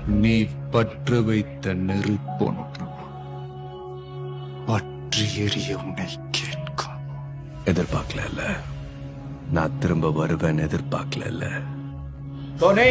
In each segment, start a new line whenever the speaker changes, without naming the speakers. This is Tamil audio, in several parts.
நீ பற்று வைத்த நெருப்பொன்று பற்றி எரிய உன்னை கேட்கும்.
எதிர்பார்க்கல, நான் திரும்ப வருவேன் எதிர்பார்க்கல.
டோனி,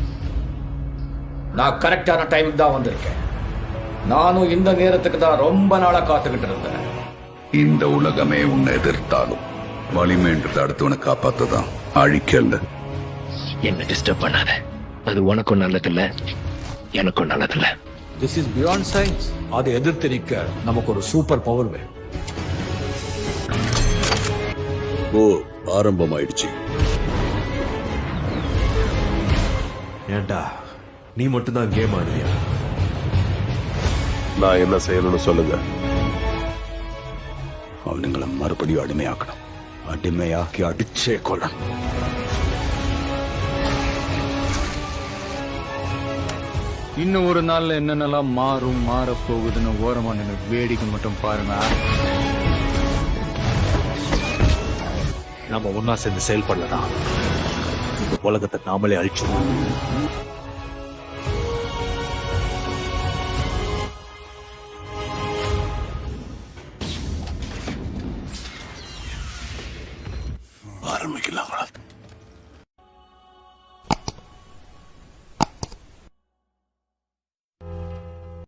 நான் கரெக்டான டைமுக்கு தான் வந்திருக்கேன். நானும் இந்த நேரத்துக்கு தான் ரொம்ப நாளா காத்துக்கிட்டு இருந்தேன்.
இந்த உலகமே உன்னை எதிர்த்தாலும் வலிமைன்றது அடுத்தவனை காப்பாத்ததான், அழிக்கல.
என்ன டிஸ்டர்ப் பண்ணாத. அது உனக்கும் நல்லதில்ல, எனக்கும் நல்லதில்ல.
This is beyond science. அதை எதிர்த்து நிற்க நமக்கு ஒரு சூப்பர் பவர் வேணும்.
ஓ, ஆரம்பமாயிடுச்சு.
ஏண்டா நீ மட்டும்தான் கேம் ஆடுறியா?
நான் என்ன செய்யணும்னு சொல்லுங்க. அவனுங்களை மறுபடியும் அடிமையாக்கணும். அடிமையாக்கி அடிச்சே கொள்ளணும்.
இன்னும் ஒரு நாள்ல என்னென்னலாம் மாறப் போகுதுன்னு ஓரமா நின்று வேடிக்கை மட்டும் பாருங்க.
நம்ம ஒன்னா சேர்ந்து செயல்படலாம். இந்த உலகத்தை நாமளே அழிச்சிடுவோம்.
ஆரம்பிக்கலாம்.